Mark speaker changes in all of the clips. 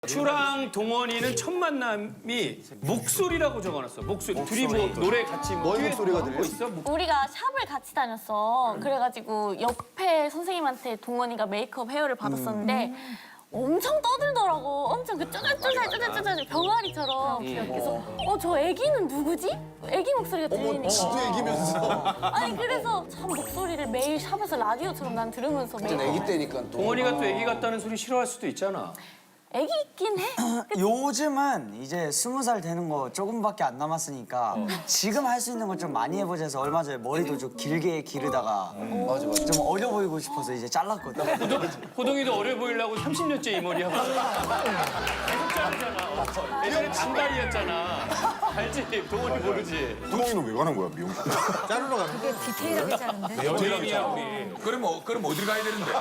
Speaker 1: 추랑 동원이는 첫 만남이 목소리라고 적어놨어. 목소리. 둘이 뭐 노래 같이 뭐
Speaker 2: 너의 목소리가 들려?
Speaker 1: 있어?
Speaker 3: 우리가 샵을 같이 다녔어. 그래가지고 옆에 선생님한테 동원이가 메이크업 헤어를 받았었는데 엄청 떠들더라고. 엄청 그 쪼잘쪼잘 병아리처럼. 그래서 저 애기는 누구지? 애기 목소리가 들리니까.
Speaker 2: 지도 얘기면서.
Speaker 3: 아니 그래서 참 목소리를 매일 샵에서 라디오처럼 난 들으면서 매일.
Speaker 2: 애기 때니까 또.
Speaker 1: 동원이가 또 애기 같다는 소리 싫어할 수도 있잖아.
Speaker 3: 애기 있긴 해.
Speaker 4: 요즘은 이제 20살 되는 거 조금밖에 안 남았으니까 지금 할 수 있는 걸 좀 많이 해보자 해서 얼마 전에 머리도 좀 길게 기르다가
Speaker 2: 맞아.
Speaker 4: 좀 어려 보이고 싶어서 이제 잘랐거든.
Speaker 1: 호동이도 어려 보이려고 30년째 이 머리 하고 있어. 계속 자르잖아. 예전에 단발이었잖아. 알지? 동원이 모르지?
Speaker 5: 호동이는 왜 가는 거야, 미용?
Speaker 6: 자르러 가는
Speaker 7: 되게 디테일하게 자른데.
Speaker 1: 여행이야 우리.
Speaker 6: 그럼 어딜 가야 되는데?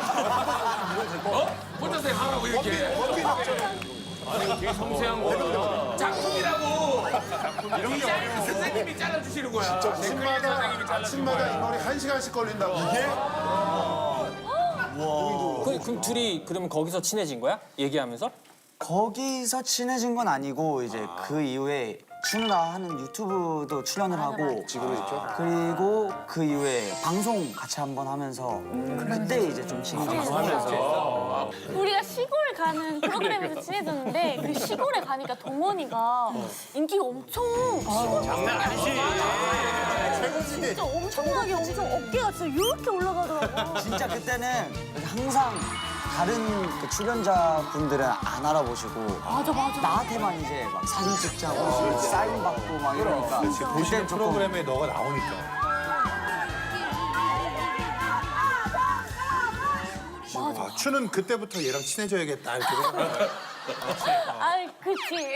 Speaker 6: 혼자서 하라고 이렇게.
Speaker 1: 아니 이거 되게 섬세한 거야.
Speaker 6: 작품이라고. 디자인 선생님이 잘라주시는 거야.
Speaker 5: 아침마다 이 머리 1시간씩 걸린다고.
Speaker 8: 그럼 둘이 그러면 거기서 친해진 거야? 얘기하면서?
Speaker 4: 거기서 친해진 건 아니고 이제 그 이후에 춘우나 하는 유튜브도 출연을 하고 그리고 그 이후에 방송 같이 한번 하면서 그때 이제 좀 친해졌어요.
Speaker 3: 우리가 시골 가는 프로그램에서 친해졌는데 그 시골에 가니까 동원이가 인기가 엄청
Speaker 1: 장난 아니지.
Speaker 3: 진짜 엄청나게 엄청 어깨가 진짜 이렇게 올라가더라고.
Speaker 4: 진짜 그때는 항상 다른 그 출연자분들은 안 알아보시고
Speaker 3: 맞아.
Speaker 4: 나한테만 이제 막 사진 찍자고 사인 받고 막 이러니까
Speaker 6: 보시는 프로그램에 너가 나오니까.
Speaker 5: 아, 추는 그때부터 얘랑 친해져야겠다 이렇게 생각해.
Speaker 3: 아이 그치.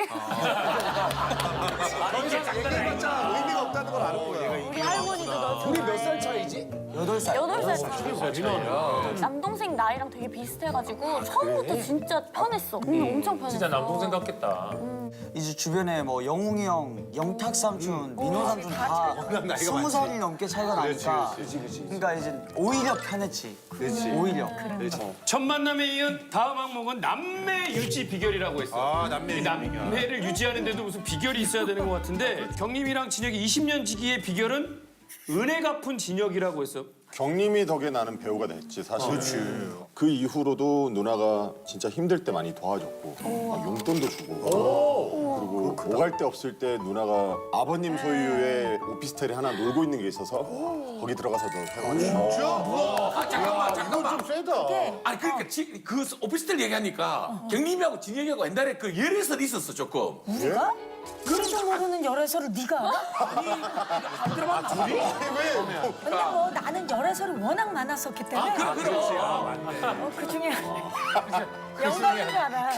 Speaker 2: 의미가 없다는 걸 아는 거야.
Speaker 3: 우리 할머니도 너
Speaker 2: 우리 몇 살 차이지?
Speaker 4: 8살.
Speaker 3: 8살 차이. 남동생 나이랑 되게 비슷해가지고 처음부터 진짜 편했어. 엄청 편했어.
Speaker 8: 진짜 남동생 같겠다.
Speaker 4: 이제 주변에 뭐 영웅이 형, 영탁 삼촌, 민호 삼촌 다 20살이 넘게 차이가 나니까 그러니까 이제 오히려 편했지. 오히려.
Speaker 1: 첫 만남에 이은 다음 항목은 남매 유지 비결이라고 했어.
Speaker 5: 아, 남매
Speaker 1: 이
Speaker 5: 유지
Speaker 1: 남매를 유지하는데도 무슨 비결이 있어야 되는 것 같은데 경림이랑 진혁이 20년 지기의 비결은 은혜 갚은 진혁이라고 했어.
Speaker 5: 경림이 덕에 나는 배우가 됐지, 사실. 그 이후로도 누나가 진짜 힘들 때 많이 도와줬고, 막 용돈도 주고. 그리고 오갈 데 없을 때 누나가 아버님 소유의 오피스텔에 하나 놀고 있는 게 있어서 거기 들어가서도 해가지고.
Speaker 6: 아 잠깐만.
Speaker 5: 좀 세다.
Speaker 6: 아니 그러니까 그 오피스텔 얘기하니까 경림이하고 진혁이하고 옛날에 그 열애설 있었어 조금.
Speaker 7: 우리가? 그래도 모르는 열애설을 네가 알아?
Speaker 6: 안 들어봤지?
Speaker 7: 근데 뭐 나는 열애설이 워낙 많았었기 때문에
Speaker 6: 그렇지.
Speaker 7: 그 중에 영광인 줄 알아.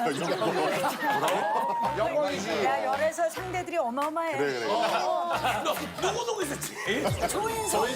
Speaker 2: 영광이지.
Speaker 7: 야 열애설 상대들이 어마어마해.
Speaker 5: 그래.
Speaker 6: 너 누구 있었지?
Speaker 7: 조인성.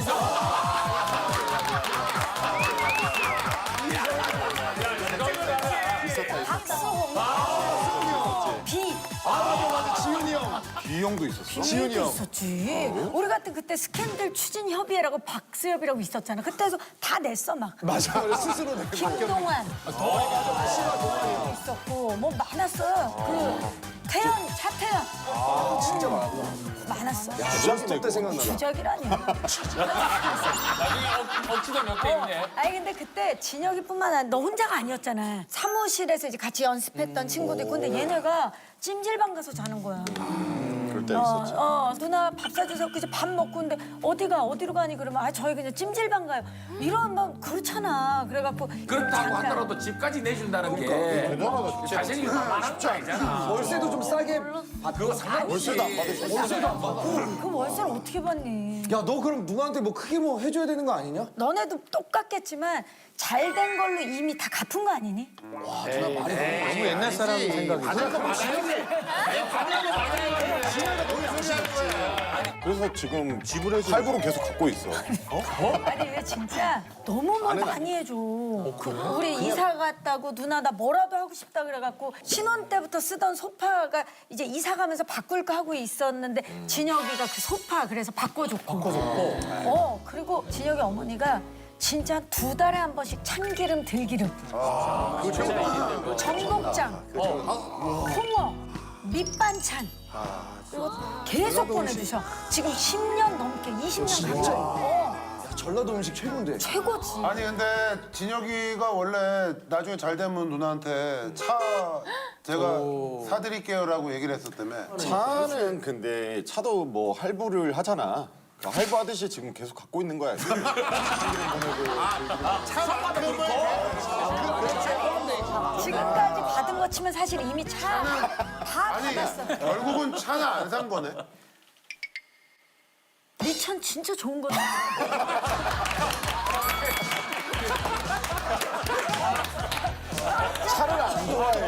Speaker 7: 박수홍. 비.
Speaker 2: 지훈이 형.
Speaker 5: 비형도 있었어?
Speaker 2: 지훈이 형.
Speaker 7: 있었지. 우리 같은 그때 스캔들 추진 협의회라고 박수협이라고 있었잖아. 그때서 다 냈어 막.
Speaker 2: 맞아. 스스로 내고.
Speaker 7: 김동완. 동완도 있었고 뭐 많았어요. 그 태연, 차태연.
Speaker 2: 진짜 많았다.
Speaker 7: 많았어.
Speaker 2: 주작도 때 생각나.
Speaker 7: 주작이라니.
Speaker 8: 나중에 억지도 몇 개 있네.
Speaker 7: 아니 근데 그때 진혁이뿐만 아니라 너 혼자가 아니었잖아. 사무실에서 이제 같이 연습했던 친구도 있고 근데 얘네가 찜질방 가서 자는 거야.
Speaker 5: 그럴 때 있었지.
Speaker 7: 누나 밥 사주세요. 이제 밥 먹고 근데 어디로 가니 그러면 아 저희 그냥 찜질방 가요. 이러면 그렇잖아. 그래갖고
Speaker 6: 그렇다고
Speaker 7: 잠깐.
Speaker 6: 하더라도 집까지 내준다는 게 자신이 만한 거 아니잖아.
Speaker 2: 월세도 좀 싸게.
Speaker 6: 그거 상관없이.
Speaker 5: 월세도 안 받으셨어?
Speaker 7: 그 월세를 어떻게 받니?
Speaker 2: 야, 너 그럼 누나한테 뭐 크게 뭐 해줘야 되는 거 아니냐?
Speaker 7: 너네도 똑같겠지만 잘 된 걸로 이미 다 갚은 거 아니니?
Speaker 8: 너무 옛날 사람 생각이.
Speaker 5: 그래서 지금 집을 해서 할부로 계속 갖고 있어.
Speaker 7: 아니 왜 진짜 너무 뭐 많이 해줘. 우리 이사 갔다고 누나 나 뭐라도 하고 싶다 그래갖고 신혼 때부터 쓰던 소파가 이제 이사 가면서 바꿀까 하고 있었는데 진혁이가 그 소파 그래서 바꿔줬고. 그리고 진혁이 어머니가 진짜 2달에 한 번씩 참기름, 들기름, 전복장, 홍어, 밑반찬. 이거 계속 보내주셔. 지금 10년 넘게, 20년 가까이.
Speaker 2: 전라도 음식 최고인데.
Speaker 7: 최고지.
Speaker 9: 아니 근데 진혁이가 원래 나중에 잘 되면 누나한테 차 제가 사드릴게요라고 얘기를 했었다며.
Speaker 5: 차는 근데 차도 뭐 할부를 하잖아. 할부하듯이 지금 계속 갖고 있는 거야.
Speaker 7: 지금까지 받은 거 치면 사실 이미 차 다
Speaker 9: 아니
Speaker 7: 받았어.
Speaker 9: 결국은 차는 안 산 거네.
Speaker 7: 네 차는 진짜 좋은 거다.
Speaker 2: 차를 안 좋아해.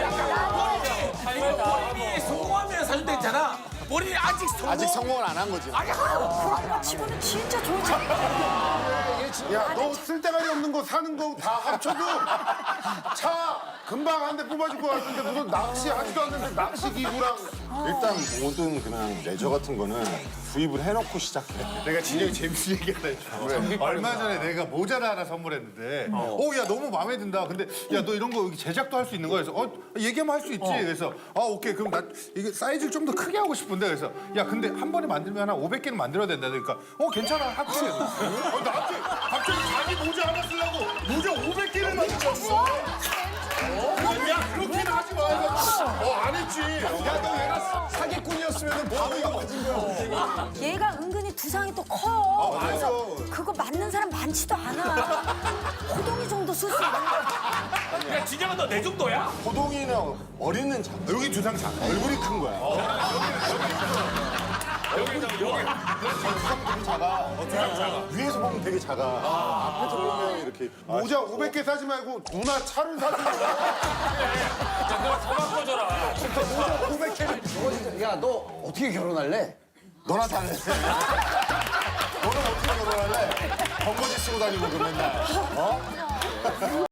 Speaker 6: 본인이 성공하면 사줄 때 있잖아. 본인이 아직
Speaker 5: 성공을 안 한 거지.
Speaker 7: 그런 거 치고는 진짜 좋은 차.
Speaker 9: 야 너 쓸데가리 없는 거 사는 거 다 합쳐도 차 금방 한 대 뽑아줄 것 같은데 무슨 낚시하지도 않는데 낚시 기구랑.
Speaker 5: 일단 모든 그냥 레저 같은 거는 구입을 해놓고 시작해.
Speaker 10: 내가 진영이 재밌는 얘기 하나 해줘. 얼마 전에 내가 모자를 하나 선물했는데, 야 너무 마음에 든다. 근데 야 너 이런 거 여기 제작도 할 수 있는 거야. 그래서 얘기하면 할 수 있지. 그래서 오케이 그럼 나 이게 사이즈를 좀 더 크게 하고 싶은데 그래서 야 근데 한 번에 만들면 한 500개는 만들어야 된다. 그러니까 괜찮아 하고 그래.
Speaker 9: 나한테 갑자기 자기 모자 하나 쓰려고 모자 500개를 만들었어. 야 그렇게는 하지 마. 안 했지.
Speaker 2: 야, 너 얘가 사기꾼이었으면 바로 이거 맞은 거야.
Speaker 7: 얘가 은근히 두상이 또 커.
Speaker 9: 맞아.
Speaker 7: 그거 맞는 사람 많지도 않아. 호동이 정도 쓸 수 있는 거야.
Speaker 6: 야 진영아 너 내 정도야?
Speaker 5: 호동이는 머리는 작아.
Speaker 9: 여기 두상 작아.
Speaker 5: 얼굴이 큰 거야. 여기 되게 작아. 위에서 보면 되게 작아. 앞에서 보면 이렇게.
Speaker 9: 모자 500개 사지 말고 누나 차를 사는 거야.
Speaker 2: 야, 너 어떻게 결혼할래?
Speaker 5: 너나 잘해. 너는 어떻게 결혼할래? 번거지 쓰고 다니고 그 맨날.